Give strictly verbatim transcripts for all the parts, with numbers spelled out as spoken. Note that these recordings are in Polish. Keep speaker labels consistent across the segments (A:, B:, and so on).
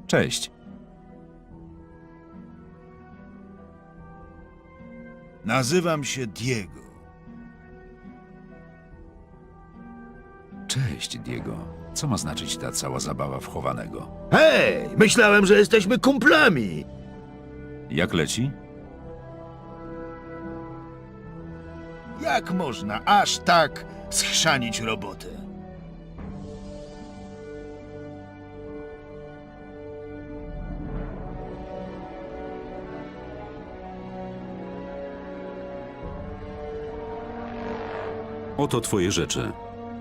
A: Cześć.
B: Nazywam się Diego.
A: Cześć, Diego. Co ma znaczyć ta cała zabawa w chowanego?
C: Hej, myślałem, że jesteśmy kumplami.
A: Jak leci?
B: Jak można aż tak schrzanić robotę?
A: Oto twoje rzeczy.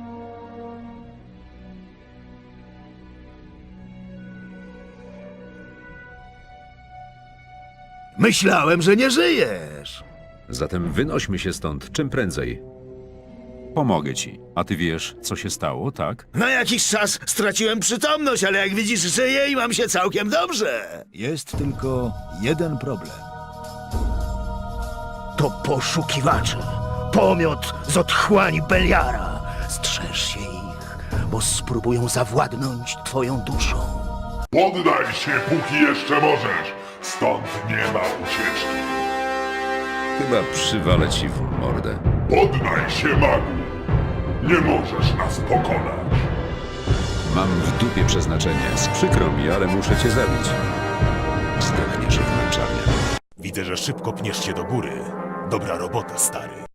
C: Myślałem, że nie żyjesz.
A: Zatem wynośmy się stąd czym prędzej. Pomogę ci. A ty wiesz, co się stało, tak?
C: Na jakiś czas straciłem przytomność, ale jak widzisz, żyję i mam się całkiem dobrze.
B: Jest tylko jeden problem.
C: To poszukiwacze. Pomiot z otchłani Beliara. Strzeż się ich, bo spróbują zawładnąć twoją duszą.
D: Poddaj się, póki jeszcze możesz. Stąd nie ma ucieczki.
A: Chyba przywalę ci w mordę.
D: Poddaj się, magu. Nie możesz nas pokonać.
A: Mam w dupie przeznaczenie. Z przykro mi, ale muszę cię zabić. Zdechniesz w męczarniach.
E: Widzę, że szybko pniesz się do góry. Dobra robota, stary.